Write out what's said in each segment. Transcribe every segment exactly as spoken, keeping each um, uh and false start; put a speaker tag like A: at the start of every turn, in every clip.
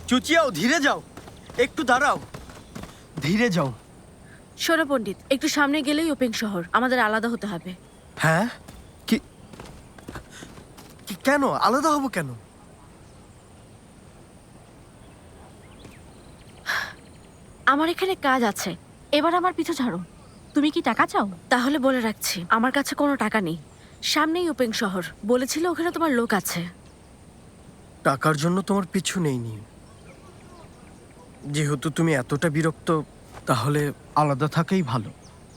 A: চুচিয়াও, ধীরে যাও, একটু দাঁড়াও, ধীরে যাও।
B: শোনো পণ্ডিত, একটু সামনে গেলেই ওপেং শহর, আমাদের আলাদা হতে হবে।
A: হ্যাঁ, কি কি- কেন আলাদা হব কেন?
B: আমার এখানে কাজ আছে, এবার আমার পিছু ছাড়ো। তুমি কি টাকা চাও? তাহলে বলে রাখছি, আমার কাছে কোনো টাকা নেই। সামনেই ওপেং শহর, বলেছিল ওখানে তোমার লোক আছে।
A: টাকার জন্য তোমার পিছু নেইনি। যেহেতু তুমি এতটা বিরক্ত, তাহলে আলাদা থাকাই ভালো।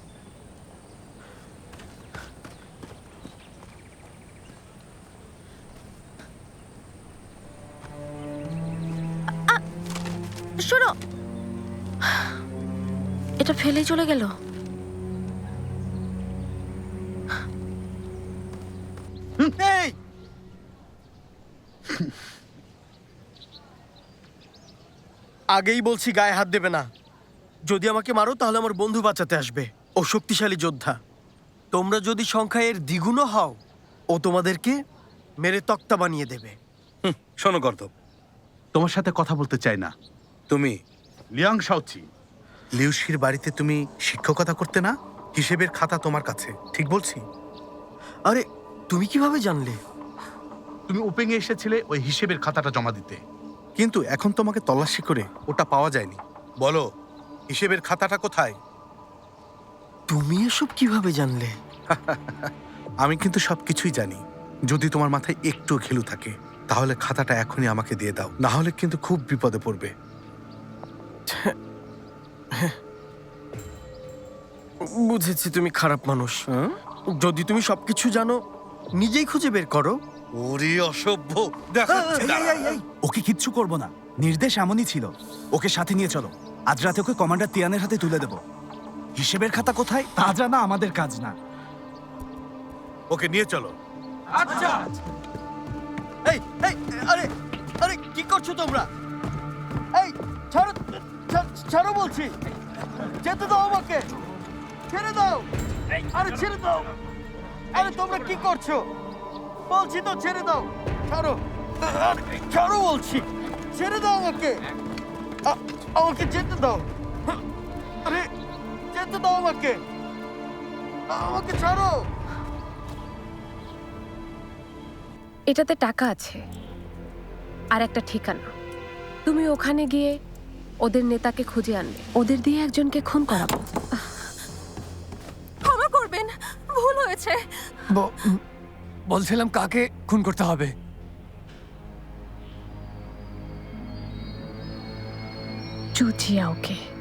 B: শোনো, এটা ফেলেই চলে গেল।
A: এই! আগেই বলছি গায়ে হাত দেবে না। যদি আমাকে মারো তাহলে আমার বন্ধু বাঁচাতে আসবে, ও শক্তিশালী যোদ্ধা। তোমরা যদি সংখ্যায় এর দ্বিগুণও হও, ও তোমাদেরকে মেরে তক্তা বানিয়ে দেবে।
C: শোনো গর্দব,
D: তোমার সাথে কথা বলতে চাই না।
C: তুমি
D: লিয়াং শাওচি,
C: লিউশির বাড়িতে তুমি শিক্ষকতা করতে না? হিসেবের খাতা তোমার কাছে, ঠিক বলছি?
A: আরে, তুমি কিভাবে জানলে?
D: তুমি ওপেং এ এসেছিলে ওই হিসেবের খাতাটা জমা দিতে।
C: কিন্তু এখন তোমাকে তল্লাশি করে ওটা পাওয়া যায়নি। বলো, হিসেবের খাতাটা কোথায়?
A: তুমি এসব কিভাবে জানলে?
C: আমি কিন্তু সবকিছুই জানি। যদি তোমার মাথায় একটু ঘেলু থাকে তাহলে খাতাটা এখনই আমাকে দিয়ে দাও, না হলে কিন্তু খুব বিপদে পড়বে।
A: বুঝেছি তুমি খারাপ মানুষ। যদি তুমি সবকিছু জানো, নিজেই খুঁজে বের করো।
C: ওরে অসভ্য, দেখাচ্ছি দাঁড়া।
E: ওকে কিচ্ছু করব না, নির্দেশ এমনই ছিল। ওকে সাথে নিয়ে চলো, আজ রাতে ওকে কমান্ডার তিয়ানের হাতে তুলে দেব। হিসেবের খাতা কোথায় তা জানা আমাদের কাজ না।
C: ওকে নিয়ে চলো।
A: এই এই আরে আরে কি করছো তোমরা? এই ছাড়ো, ছা- ছাড়ো বলছি, যেতে দাও আমাকে, ছেড়ে দাও। আরে ছেড়ে দাও। আরে তোমরা কি করছো? বলছি তো ছেড়ে দাও, ছাড়ো। আরে, ছাড়ো বলছি, ছেড়ে দাও আমাকে। আ- আমাকে যেতে দাও। আরে যেতে দাও আমাকে, আমাকে ছাড়ো।
F: এটাতে টাকা আছে আর একটা ঠিকানা। তুমি ওখানে গিয়ে ওদের নেতাকে খুঁজে আনবে, ওদের দিয়ে একজনকে খুন করাবো।
G: ক্ষমা করবেন, ভুল হয়েছে।
H: বলছিলাম কাকে খুন করতে হবে?
F: চুচিয়াওকে।